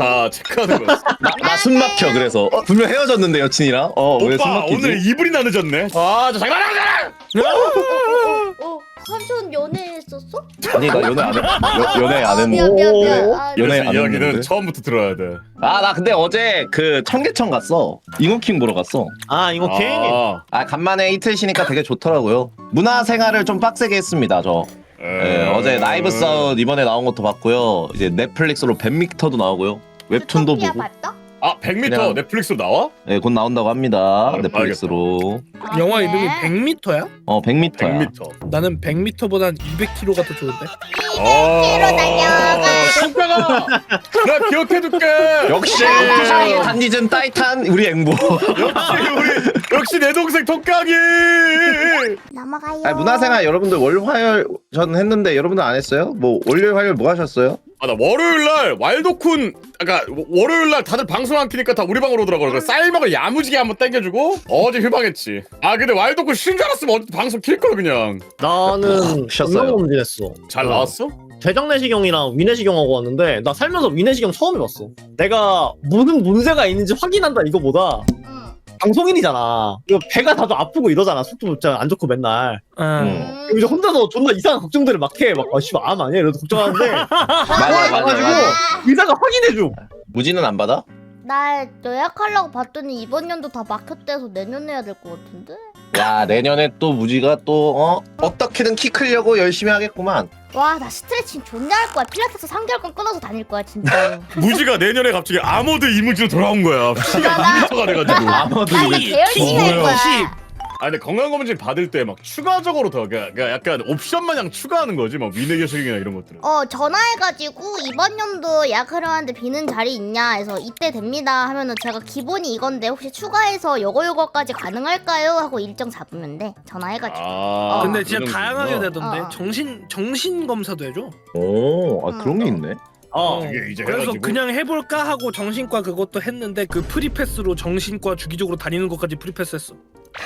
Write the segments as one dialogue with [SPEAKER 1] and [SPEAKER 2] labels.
[SPEAKER 1] 다 체크하는 거였어.
[SPEAKER 2] 나 숨 막혀 그래서 분명 헤어졌는데 여친이랑 왜 숨
[SPEAKER 1] 오빠
[SPEAKER 2] 막히지?
[SPEAKER 1] 오늘 이불이나 늦었네. 아저 장난하잖아.
[SPEAKER 3] 삼촌 연애했었어?
[SPEAKER 2] 아니 나 연애 안 해. 연애 안 했는데.
[SPEAKER 3] 미안.
[SPEAKER 2] 연애 안
[SPEAKER 1] 이야기는
[SPEAKER 2] 했는데.
[SPEAKER 1] 처음부터 들어야 돼.
[SPEAKER 2] 나 근데 어제 그 청계천 갔어. 잉어킹 보러 갔어.
[SPEAKER 4] 아 이거 킹.
[SPEAKER 2] 간만에 이틀 쉬니까 되게 좋더라고요. 문화생활을 좀 빡세게 했습니다 저. 어제 라이브 사운 이번에 나온 것도 봤고요. 이제 넷플릭스로 100m도 나오고요. 웹툰도
[SPEAKER 3] 유토피아
[SPEAKER 2] 보고.
[SPEAKER 3] 봤어?
[SPEAKER 1] 100m
[SPEAKER 2] 그냥-
[SPEAKER 1] 넷플릭스로 나와?
[SPEAKER 2] 네, 곧 나온다고 합니다.
[SPEAKER 1] 아,
[SPEAKER 2] 넷플릭스로.
[SPEAKER 5] 영화
[SPEAKER 3] 그래?
[SPEAKER 5] 이름이 100m야?
[SPEAKER 2] 100m야.
[SPEAKER 1] 100m.
[SPEAKER 5] 나는 100m보단 200km가 더 좋은데.
[SPEAKER 3] 200km 달려가.
[SPEAKER 1] 손가가. 나 기억해둘게.
[SPEAKER 2] 역시 단니즘 따이탄 우리 앵보.
[SPEAKER 1] 역시 내 동생 독강이.
[SPEAKER 3] 넘어가요.
[SPEAKER 2] 문화생활 여러분들 월화열 전 했는데 여러분들 안 했어요? 뭐 월요일 화요일 뭐 하셨어요?
[SPEAKER 1] 나 월요일 날 왈도쿤 아까 월요일 날 다들 방송 안 키니까 다 우리 방으로 오더라고. 그래서 쌀먹을 야무지게 한번 땡겨주고 어제 휴방했지. 근데 왈도쿤 쉬는 줄 알았으면 어제 방송 킬 걸 그냥.
[SPEAKER 4] 나는
[SPEAKER 2] 쉬었어요.
[SPEAKER 4] 건강검진했어.
[SPEAKER 1] 잘 나왔어?
[SPEAKER 4] 대장내시경이랑 위내시경 하고 왔는데 나 살면서 위내시경 처음 해봤어. 내가 무슨 문제가 있는지 확인한다 이거보다
[SPEAKER 3] 응.
[SPEAKER 4] 방송인이잖아. 이거 배가 다도 아프고 이러잖아. 속도 진짜 안 좋고 맨날.
[SPEAKER 5] 응.
[SPEAKER 4] 그리고 이제 혼자서 존나 이상한 걱정들을 막 해. 막 씨발 암 아니야? 이러면서 걱정하는데
[SPEAKER 2] 맞아.
[SPEAKER 4] 의사가 확인해줘.
[SPEAKER 2] 무지는 안 받아?
[SPEAKER 3] 나 예약하려고 봤더니 이번 연도 다 막혔대서 내년 해야 될 것 같은데?
[SPEAKER 2] 야 내년에 또 무지가 또 어떻게든 키 크려고 열심히 하겠구만.
[SPEAKER 3] 와, 나 스트레칭 존나 할 거야. 필라테스 3개월간 끊어서 다닐 거야, 진짜로.
[SPEAKER 1] 무지가 내년에 갑자기 아모드 이무지로 돌아온 거야. 키가
[SPEAKER 3] 나-
[SPEAKER 1] 2m가 돼가지고.
[SPEAKER 2] 아무도
[SPEAKER 3] 나 이거 개열심히 할 거야.
[SPEAKER 1] 근데 건강검진 받을 때 막 추가적으로 더 그러니까 약간 옵션 마냥 추가하는 거지. 막 위내교식이나 이런 것들은.
[SPEAKER 3] 전화해가지고 이번 연도 예약하려 하는데 비는 자리 있냐 해서 이때 됩니다 하면은 제가 기본이 이건데 혹시 추가해서 요거까지 가능할까요? 하고 일정 잡으면 돼. 전화해가지고.
[SPEAKER 5] 근데 진짜
[SPEAKER 1] 그런
[SPEAKER 5] 다양하게
[SPEAKER 1] 거구나.
[SPEAKER 5] 되던데. 정신 검사도 해줘.
[SPEAKER 2] 그런 게 있네.
[SPEAKER 1] 이게 이제
[SPEAKER 5] 그래서
[SPEAKER 1] 해가지고.
[SPEAKER 5] 그냥 해볼까 하고 정신과 그것도 했는데 그 프리패스로 정신과 주기적으로 다니는 것까지 프리패스했어.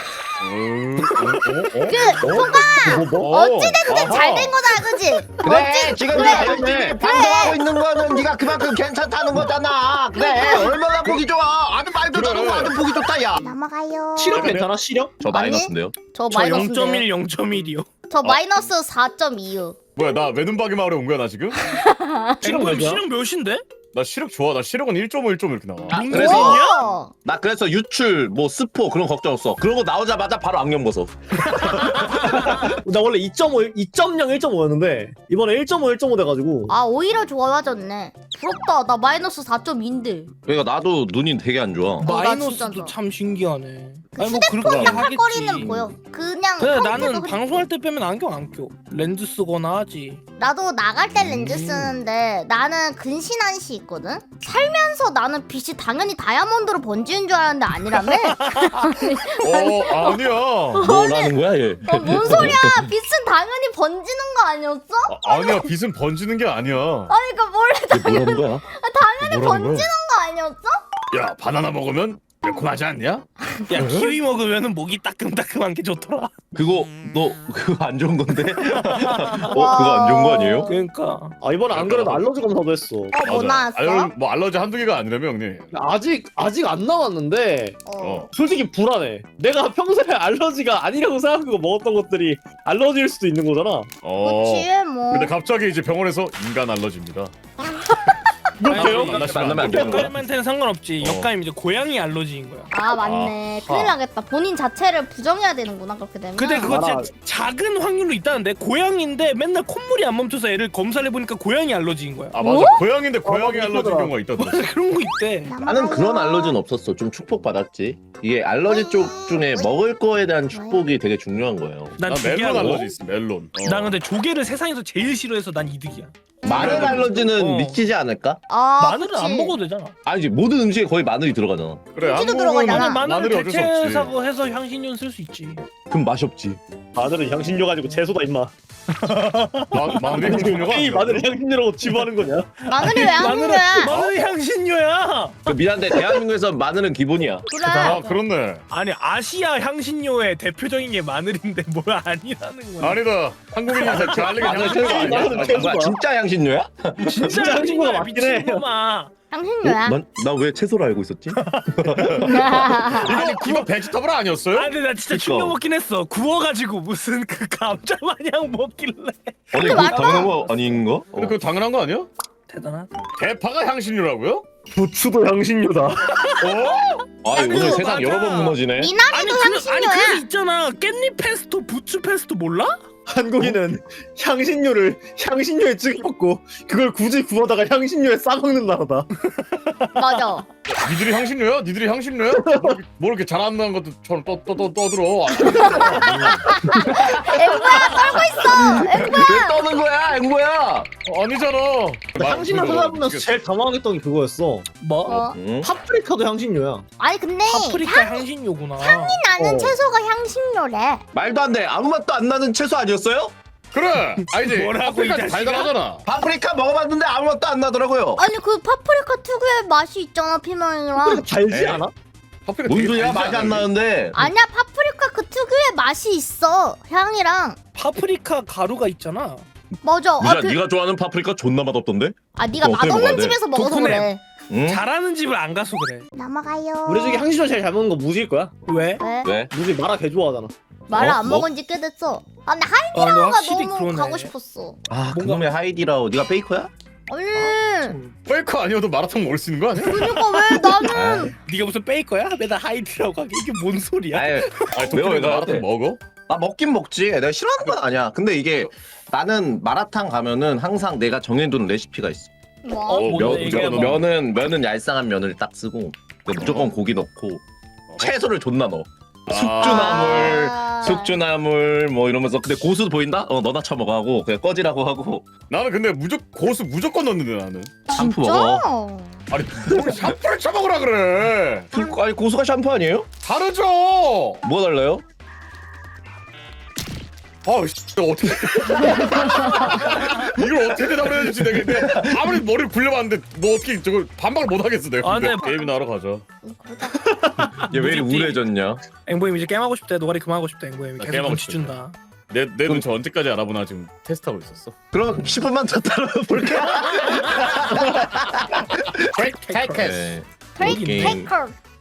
[SPEAKER 3] 어찌됐든 잘 된 거다, 그치?
[SPEAKER 2] 그래 지금
[SPEAKER 3] 그래.
[SPEAKER 2] 방송하고 있는 거는 네가 그만큼 괜찮다는 거잖아. 그래 얼마나 보기 좋아. 아주 말도 잘하고 아주 보기 좋다 야.
[SPEAKER 3] 넘어가요.
[SPEAKER 4] 시력 괜찮아? 시력?
[SPEAKER 2] 저 마이너스인데요?
[SPEAKER 3] 저
[SPEAKER 5] 저
[SPEAKER 3] 마이너스
[SPEAKER 5] 0.1, 0.1이요.
[SPEAKER 3] 저 마이너스 4.2요.
[SPEAKER 1] 뭐야 나 외눈박이 마을에 온 거야 나 지금?
[SPEAKER 4] 시력 몇이야?
[SPEAKER 5] 시력 몇인데?
[SPEAKER 1] 나 시력 좋아. 나 시력은 1.5 1.5 이렇게 나와.
[SPEAKER 2] 그래서 나 그래서 유출 뭐 스포 그런 걱정 없어. 그런 거 나오자마자 바로 안경 벗어.
[SPEAKER 4] 나 원래 2.5, 2.0, 1.5였는데 이번에 1.5, 1.5 돼가지고
[SPEAKER 3] 아, 오히려 좋아졌네. 부럽다. 나 마이너스 4.2인데.
[SPEAKER 2] 그러니까 나도 눈이 되게 안 좋아.
[SPEAKER 3] 나
[SPEAKER 5] 마이너스도
[SPEAKER 3] 진짜
[SPEAKER 5] 참 신기하네.
[SPEAKER 3] 그
[SPEAKER 5] 아니 뭐 그렇게
[SPEAKER 3] 깜빡거리는
[SPEAKER 5] 하겠지.
[SPEAKER 3] 보여. 그냥
[SPEAKER 5] 근데
[SPEAKER 3] 평소에도
[SPEAKER 5] 나는
[SPEAKER 3] 그래.
[SPEAKER 5] 방송할 때 빼면 안경 안 껴. 렌즈 쓰거나 하지.
[SPEAKER 3] 나도 나갈 때 렌즈 쓰는데 나는 근신한시 있거든? 살면서 나는 빛이 당연히 다이아몬드로 번지는 줄 알았는데 아니라며?
[SPEAKER 1] 아니야.
[SPEAKER 2] 뭐라는 거야 얘?
[SPEAKER 3] 뭔 소리야? 빛은 당연히 번지는 거 아니었어?
[SPEAKER 1] 아니야. 빛은 번지는 게 아니야.
[SPEAKER 3] 아니 그러니까 원래
[SPEAKER 2] 뭐라는 거야?
[SPEAKER 3] 당연히 번지는 거 아니었어?
[SPEAKER 1] 야 바나나 먹으면 매콤하지 않냐?
[SPEAKER 5] 야 키위 먹으면은 목이 따끔따끔한 게 좋더라.
[SPEAKER 2] 그거 너 그거 안 좋은 건데? 그거 안 좋은 거 아니에요?
[SPEAKER 5] 그러니까
[SPEAKER 4] 이번에 안 그래도 알러지 검사도 했어.
[SPEAKER 3] 뭐 나왔어?
[SPEAKER 1] 뭐 알러지 한두 개가 아니라며 형님.
[SPEAKER 4] 아직 안 나왔는데
[SPEAKER 3] 어.
[SPEAKER 4] 솔직히 불안해. 내가 평소에 알러지가 아니라고 생각하고 먹었던 것들이 알러지일 수도 있는 거잖아.
[SPEAKER 3] 그치 뭐.
[SPEAKER 1] 근데 갑자기 이제 병원에서 인간 알러지입니다.
[SPEAKER 4] 그렇게요?
[SPEAKER 2] 만나면 안 되는 거야?
[SPEAKER 5] 역가임한테는 상관없지. 역가임 이제 고양이 알러지인 거야.
[SPEAKER 3] 아 맞네. 큰일 나겠다. 본인 자체를 부정해야 되는구나 그렇게 되면.
[SPEAKER 5] 근데 그거
[SPEAKER 4] 알아.
[SPEAKER 5] 진짜 작은 확률로 있다는데 고양인데 맨날 콧물이 안 멈춰서 애를 검사를 해보니까 고양이 알러지인 거야.
[SPEAKER 1] 아 맞아. 고양인데 고양이
[SPEAKER 4] 맞아,
[SPEAKER 1] 알러지
[SPEAKER 4] 있더라.
[SPEAKER 1] 경우가 있다 들었어.
[SPEAKER 5] 그런 거 있대.
[SPEAKER 2] 나는 그런 알러지는 없었어. 좀 축복받았지. 이게 알러지 쪽 중에 먹을 거에 대한 축복이 되게 중요한 거예요.
[SPEAKER 5] 난
[SPEAKER 1] 나 멜론
[SPEAKER 5] 조개하고.
[SPEAKER 1] 알러지 있어. 멜론.
[SPEAKER 5] 난 근데 조개를 세상에서 제일 싫어해서 난 이득이야.
[SPEAKER 2] 마늘 알러지는
[SPEAKER 5] 어.
[SPEAKER 2] 믿기지 않을까?
[SPEAKER 3] 아,
[SPEAKER 5] 마늘은
[SPEAKER 3] 그치.
[SPEAKER 5] 안 먹어도 되잖아.
[SPEAKER 2] 아니지 모든 음식에 거의 마늘이 들어가잖아.
[SPEAKER 1] 그래
[SPEAKER 3] 고기도
[SPEAKER 1] 한국은
[SPEAKER 3] 들어가잖아.
[SPEAKER 5] 마늘을
[SPEAKER 1] 마늘이 어쩔 수 없지.
[SPEAKER 5] 대체사고 해서 향신료 쓸 수 있지.
[SPEAKER 2] 그럼 맛이 없지.
[SPEAKER 4] 마늘은 향신료 가지고 채소다 임마.
[SPEAKER 1] 마늘이 향신료가
[SPEAKER 4] 이 마늘을 향신료라고 지부하는 거냐?
[SPEAKER 3] 마늘이 왜 한국이야?
[SPEAKER 5] 마늘이 향신료야.
[SPEAKER 2] 그 미안한데 대한민국에서 마늘은 기본이야.
[SPEAKER 3] 그래.
[SPEAKER 1] 아 그렇네.
[SPEAKER 5] 아니 아시아 향신료의 대표적인 게 마늘인데 뭘 아니라는 거야.
[SPEAKER 1] 아니다. 한국인이 잘리게
[SPEAKER 2] 마늘
[SPEAKER 1] 향신료
[SPEAKER 2] 아니야?
[SPEAKER 1] 아니야?
[SPEAKER 4] 마늘은
[SPEAKER 2] 뭐야 진짜 향신료야?
[SPEAKER 5] 진짜
[SPEAKER 4] 향신료가
[SPEAKER 5] 향신료야
[SPEAKER 4] 맞긴 해.
[SPEAKER 5] 미친놈아.
[SPEAKER 3] 향신료야.
[SPEAKER 2] 나 왜 채소를 알고 있었지?
[SPEAKER 1] 이거 베지터블 아니었어요?
[SPEAKER 5] 아 근데 나 진짜
[SPEAKER 2] 그쵸.
[SPEAKER 5] 충격 먹긴 했어. 구워가지고 무슨 그 감자 마냥 먹길래.
[SPEAKER 2] 아니
[SPEAKER 3] 맞다.
[SPEAKER 2] 당연한 거 아닌가?
[SPEAKER 1] 근데 그거 당연한 거 아니야?
[SPEAKER 5] 대단하다.
[SPEAKER 1] 대파가 향신료라고요?
[SPEAKER 4] 부추도 향신료다.
[SPEAKER 2] 아니 오늘
[SPEAKER 5] 그거
[SPEAKER 2] 세상
[SPEAKER 5] 맞아.
[SPEAKER 2] 여러 번 무너지네.
[SPEAKER 3] 미나리도
[SPEAKER 5] 아니
[SPEAKER 3] 향신료야.
[SPEAKER 5] 그래서 있잖아. 깻잎 페스토, 부추 페스토 몰라?
[SPEAKER 4] 한국인은 향신료를 향신료에 찍어 먹고 그걸 굳이 구워다가 향신료에 싸먹는 나라다.
[SPEAKER 3] 맞아.
[SPEAKER 1] 니들이 향신료야? 니들이 향신료야? 뭐 이렇게 잘한다는 것처럼 떠들어.
[SPEAKER 3] 앵보야 떨고 있어.
[SPEAKER 2] 왜 떠는 거야, 앵보야?
[SPEAKER 1] 아니잖아.
[SPEAKER 4] 향신료 찾아보면서 제일 당황했던 게 그거였어.
[SPEAKER 5] 뭐?
[SPEAKER 3] 어.
[SPEAKER 2] 응?
[SPEAKER 4] 파프리카도 향신료야.
[SPEAKER 3] 아니 근데
[SPEAKER 5] 파프리카 향신료구나.
[SPEAKER 3] 나는
[SPEAKER 4] 어.
[SPEAKER 3] 채소가 향신료래.
[SPEAKER 2] 말도 안 돼. 아무 맛도 안 나는 채소 아니었어요?
[SPEAKER 1] 그래. 아니지.
[SPEAKER 5] 뭐라고, 이
[SPEAKER 1] 파프리카
[SPEAKER 5] 자식아?
[SPEAKER 1] 달달하잖아.
[SPEAKER 2] 파프리카 먹어봤는데 아무 맛도 안 나더라고요.
[SPEAKER 3] 아니 그 파프리카 특유의 맛이 있잖아 피망이랑.
[SPEAKER 4] 달지
[SPEAKER 1] 에이.
[SPEAKER 4] 않아?
[SPEAKER 1] 파프리카
[SPEAKER 2] 뭔
[SPEAKER 1] 되게
[SPEAKER 2] 소리야?
[SPEAKER 1] 달지
[SPEAKER 2] 맛이 안
[SPEAKER 1] 않아?
[SPEAKER 2] 나는데.
[SPEAKER 3] 아니야 파프리카 그 특유의 맛이 있어. 향이랑.
[SPEAKER 5] 파프리카 가루가 있잖아.
[SPEAKER 3] 맞아.
[SPEAKER 2] 유자,
[SPEAKER 3] 그,
[SPEAKER 2] 네가 좋아하는 파프리카 존나 맛없던데?
[SPEAKER 3] 아 네가
[SPEAKER 2] 그거 어떻게 먹어야
[SPEAKER 3] 맛없는
[SPEAKER 2] 돼?
[SPEAKER 3] 집에서 먹어서
[SPEAKER 5] 도쿠네.
[SPEAKER 3] 그래.
[SPEAKER 2] 응?
[SPEAKER 5] 잘하는 집을 안 가서 그래.
[SPEAKER 3] 넘어가요.
[SPEAKER 4] 우리 중에 향신료 제일 잘 먹는 거 무지일 거야.
[SPEAKER 5] 왜?
[SPEAKER 3] 왜?
[SPEAKER 2] 왜?
[SPEAKER 4] 무지 마라 개 좋아하잖아.
[SPEAKER 3] 말을
[SPEAKER 2] 어?
[SPEAKER 3] 안
[SPEAKER 2] 뭐?
[SPEAKER 3] 먹은 지 꽤 됐어. 아 근데
[SPEAKER 5] 아, 근데
[SPEAKER 3] 하이디라오가
[SPEAKER 5] 확실히
[SPEAKER 3] 너무
[SPEAKER 5] 그러네.
[SPEAKER 3] 가고 싶었어.
[SPEAKER 2] 아 그놈의 하이디라오. 네가 베이커야?
[SPEAKER 3] 아니
[SPEAKER 1] 페이커 아니어도 마라탕 먹을 수 있는 거 아니야?
[SPEAKER 3] 그러니까 왜 나는
[SPEAKER 5] 네가 무슨 베이커야? 맨날 하이디라고 하게 이게 뭔 소리야?
[SPEAKER 2] 아니
[SPEAKER 1] 아니
[SPEAKER 2] 내가 왜
[SPEAKER 1] 도쿄에서
[SPEAKER 2] 나한테?
[SPEAKER 1] 마라탕 먹어?
[SPEAKER 2] 나 먹긴 먹지. 내가 싫어하는 건 아니야. 근데 이게 나는 마라탕 가면은 항상 내가 정해둔 레시피가 있어.
[SPEAKER 3] 뭐?
[SPEAKER 5] 뭐,
[SPEAKER 2] 면,
[SPEAKER 5] 얘기해봐.
[SPEAKER 2] 면은 얄쌍한 면을 딱 쓰고 무조건 고기 넣고 채소를 존나 넣어. 숙주나물,
[SPEAKER 3] 아.
[SPEAKER 2] 숙주나물 뭐 이러면서 근데 고수 보인다? 너나 쳐먹어 하고 그냥 꺼지라고 하고
[SPEAKER 1] 나는 근데 고수 무조건 넣는데 나는.
[SPEAKER 2] 샴푸 먹어.
[SPEAKER 1] 아니 뭘 샴푸를 쳐먹으라 그래.
[SPEAKER 2] 아니 고수가 샴푸 아니에요?
[SPEAKER 1] 다르죠.
[SPEAKER 2] 뭐가 달라요?
[SPEAKER 1] 아씨 어떻게 이걸 어떻게 대답을 해야 될지 내가 아무리 머리를 굴려봤는데 뭐 어떻게 저걸 반박을 못 하겠어 내가.
[SPEAKER 5] 아,
[SPEAKER 1] 근데
[SPEAKER 5] 네.
[SPEAKER 1] 게임이나 하러 가자.
[SPEAKER 3] 그러다
[SPEAKER 2] 얘 왜 이리
[SPEAKER 5] 무섭지?
[SPEAKER 2] 우울해졌냐?
[SPEAKER 5] 앵보임 이제 게임하고 싶대. 노가리 그만하고 싶대. 앵보임
[SPEAKER 1] 나
[SPEAKER 5] 계속
[SPEAKER 1] 게임하고
[SPEAKER 5] 눈치
[SPEAKER 1] 싶대.
[SPEAKER 5] 준다.
[SPEAKER 1] 내 눈치 언제까지 알아보나 지금 테스트하고 있었어.
[SPEAKER 2] 그럼 10분만 더 따라볼까?
[SPEAKER 1] 테이크스.
[SPEAKER 2] 네.
[SPEAKER 3] 크레이크
[SPEAKER 2] 게임.
[SPEAKER 3] 테이커.